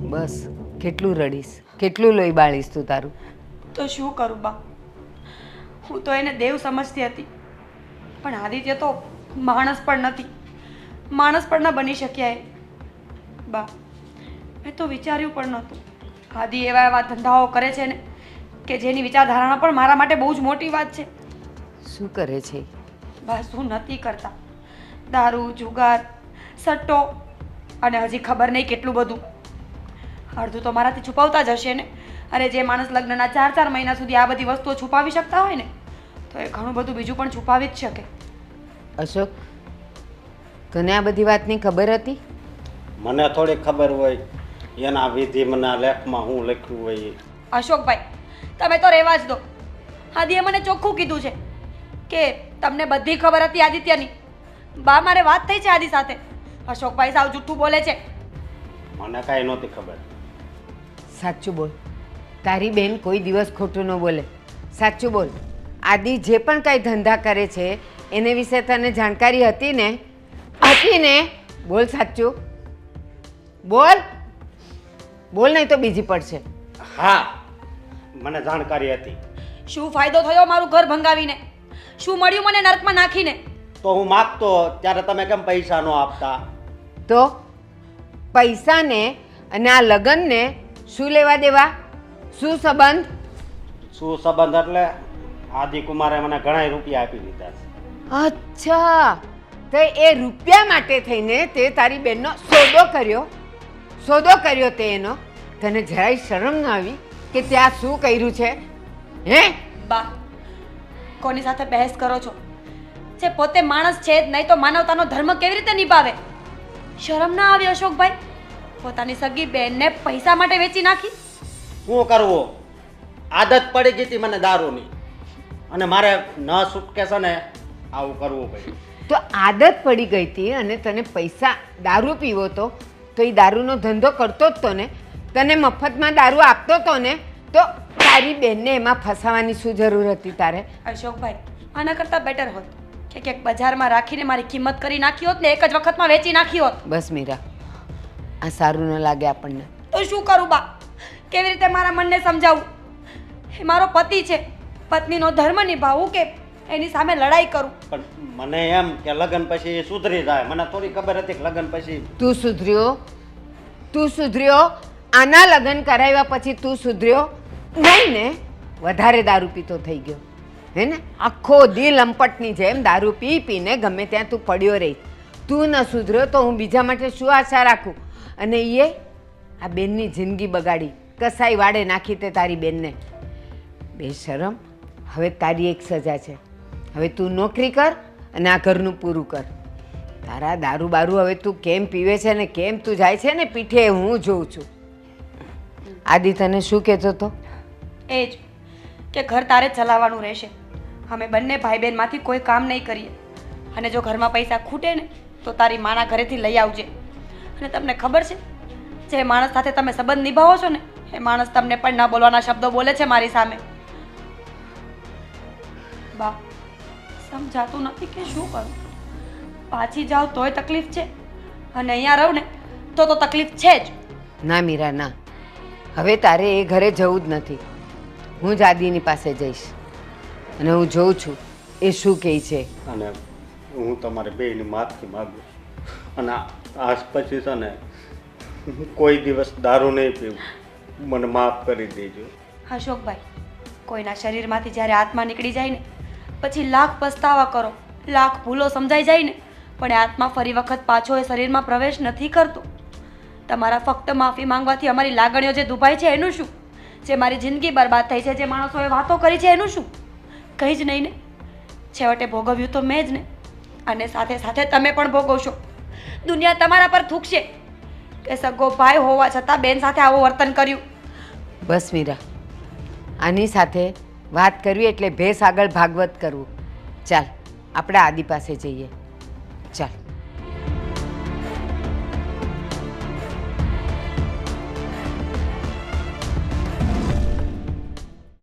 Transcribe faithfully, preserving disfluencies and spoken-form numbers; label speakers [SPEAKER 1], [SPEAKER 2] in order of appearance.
[SPEAKER 1] બસ કેટલું રડીશ, કેટલું લોહી બાળીશ તું તારું?
[SPEAKER 2] તો શું કરું બા, હું તો એને દેવ સમજતી હતી, પણ આદિત્ય તો માણસ પણ નથી, માણસ પણ ન બની શક્યા એ. બા, મેં તો વિચાર્યું પણ નહોતું. આદિ એવા એવા ધંધાઓ કરે છે ને કે જેની વિચારધારણા પણ મારા માટે બહુ જ મોટી વાત છે.
[SPEAKER 1] શું કરે છે?
[SPEAKER 2] બસ શું નથી કરતા, દારૂ, જુગાર, સટ્ટો અને હજી ખબર નહીં કેટલું બધું. અડધું તો મારાથી છુપાવતા જ હશે ને. અરે જે માણસ લગ્નના ચાર ચાર મહિના સુધી આ બધી વસ્તુઓ છુપાવી શકતા હોય ને, તો એ ઘણું બધું બીજું પણ છુપાવી જ શકે.
[SPEAKER 1] અશોક, તને આ બધી વાતની ખબર હતી?
[SPEAKER 3] મને થોડી ખબર હોય, એના વિધિ મને લેખમાં હું લખ્યું હોય.
[SPEAKER 2] અશોકભાઈ, તમે તો રહેવા જ દો. આદિએ મને ચોખ્ખું કીધું છે કે તમને બધી ખબર હતી આદિત્યની. બા, મારે વાત થઈ છે આદિ સાથે. અશોકભાઈ સાવ જૂઠું બોલે છે.
[SPEAKER 3] મને કાંઈ નહોતી ખબર.
[SPEAKER 1] સાચું બોલ, તારી બેન કોઈ દિવસ ખોટું ન બોલે. સાચું બોલ, આદિ જે પણ કાંઈ ધંધા કરે છે એને વિશે તને જાણકારી હતી ને? હતી ને? બોલ સાચું બોલ, બોલ નહીં તો બીજી પડશે.
[SPEAKER 3] હા, મને જાણકારી હતી.
[SPEAKER 2] શું ફાયદો થયો મારું ઘર ભંગાવીને? શું મળ્યું મને નર્કમાં નાખીને?
[SPEAKER 3] તો હું માગતો ત્યારે તમે કેમ પૈસા ન આપતા?
[SPEAKER 1] તો પૈસાને અને આ લગ્નને શું લેવા દેવા? શું સંબંધ?
[SPEAKER 3] શું સંબંધ એટલે આદિકુમારે મને ઘણા રૂપિયા આપી દીધા છે.
[SPEAKER 1] અચ્છા, તો એ રૂપિયા માટે થઈને તે તારી બેનનો સોદો કર્યો? સોદો કર્યો તે એનો? તને જરાય શરમ ન આવી કે ત્યાં શું કર્યું છે? હે
[SPEAKER 2] બા, કોની સાથે બહેસ કરો છો? જે પોતે માણસ છે જ નહીં તો માનવતાનો ધર્મ કેવી રીતે નિભાવે? શરમ ના આવી અશોકભાઈ? પોતાની સગી બેનને પૈસા માટે વેચી નાખી.
[SPEAKER 3] શું કરવું? આદત પડી ગઈ હતી મને દારૂની, અને મારે ન છૂટકે છે ને આવું કરવું પડ્યું.
[SPEAKER 1] તો આદત પડી ગઈ હતી અને તને પૈસા, દારૂ પીવો તો તો એ દારૂનો ધંધો કરતો જ તો ને? તને મફતમાં દારૂ આપતો તો ને? તો તારી બેનને એમાં ફસાવાની શું જરૂર હતી તારે?
[SPEAKER 2] અશોકભાઈ, આના કરતાં બેટર હોત કે ક્યાંક બજારમાં રાખીને મારી કિંમત કરી નાખી હોત ને એક જ વખતમાં વેચી નાખી હોત.
[SPEAKER 1] બસ મીરા, આ સારું ન લાગે આપણને.
[SPEAKER 2] તો શું કરું બા? કેવી રીતે મારા મનને સમજાવું? એ મારો પતિ છે, પત્નીનો ધર્મ નિભાવવું કે એની સામે લડાઈ કરું?
[SPEAKER 3] પણ મને એમ કે લગ્ન પછી એ સુધરી જાય. મને થોડી ખબર હતી કે લગ્ન પછી.
[SPEAKER 1] તું સુધર્યો? તું સુધર્યો? આના લગ્ન કરાવ્યા પછી તું સુધર્યો નહીં ને? વધારે દારૂ પીતો થઈ ગયો હે ને? આખો દી લંપટની જેમ દારૂ પી પીને ગમે ત્યાં તું પડ્યો રહી. તું ન સુધર્યો તો હું બીજા માટે શું આશા રાખું? અને એ આ બેનની જિંદગી બગાડી, કસાઈ વાડે નાખી તે તારી બેનને. બેશરમ, હવે તારી એક સજા છે. હવે તું નોકરી કર અને આ ઘરનું પૂરું કર. તારા દારૂ બારૂ હવે તું કેમ પીવે છે ને કેમ તું જાય છે ને પીઠે હું જોઉં છું. આદિ તને શું કહેતો હતો?
[SPEAKER 2] એ જ કે ઘર તારે જ ચલાવવાનું રહેશે. અમે બંને ભાઈ બહેનમાંથી કોઈ કામ નહીં કરીએ. અને જો ઘરમાં પૈસા ખૂટે ને તો તારી માના ઘરેથી લઈ આવજે. અને તમને ખબર છે, જે માણસ સાથે તમે સંબંધ નિભાવો છો ને એ માણસ તમને પણ ના બોલવાના શબ્દો બોલે છે મારી સામે. બા, સમજાતું નથી કે શું કરું? પાછી જાઉં તોય તકલીફ છે અને અહીંયા રહું ને તો તો તકલીફ છે જ.
[SPEAKER 1] ના મીરા, ના, હવે તારે એ ઘરે જવું જ નથી. હું જ આદિની પાસે જઈશ અને હું જોઉં છું એ શું કહે છે.
[SPEAKER 3] અને હું તમારે બેયની માફી માગું અને આજ પછી છે ને કોઈ દિવસ દારૂ નહીં પીવું. મને માફ કરી દેજો.
[SPEAKER 2] અશોકભાઈ, કોઈના શરીરમાંથી જ્યારે આત્મા નીકળી જાય ને પછી લાખ પસ્તાવા કરો, લાખ ભૂલો સમજાઈ જાય ને પણ એ આત્મા ફરી વખત પાછો એ શરીરમાં પ્રવેશ નથી કરતો. તમારા ફક્ત માફી માંગવાથી અમારી લાગણીઓ જે દુભાઈ છે એનું શું? જે મારી જિંદગી બરબાદ થઈ છે, જે માણસોએ વાતો કરી છે એનું શું? કંઈ જ નહીં ને. છેવટે ભોગવ્યું તો મેં જ ને, અને સાથે સાથે તમે પણ ભોગવશો. દુનિયા તમારા પર થૂકશે કે સગો ભાઈ હોવા છતાં બેન સાથે આવું વર્તન કર્યું.
[SPEAKER 1] બસ મીરા, આની સાથે વાત કરવી એટલે ભેંસ આગળ ભાગવત કરવું. ચાલ આપણે આદિ પાસે જઈએ. ચાલ.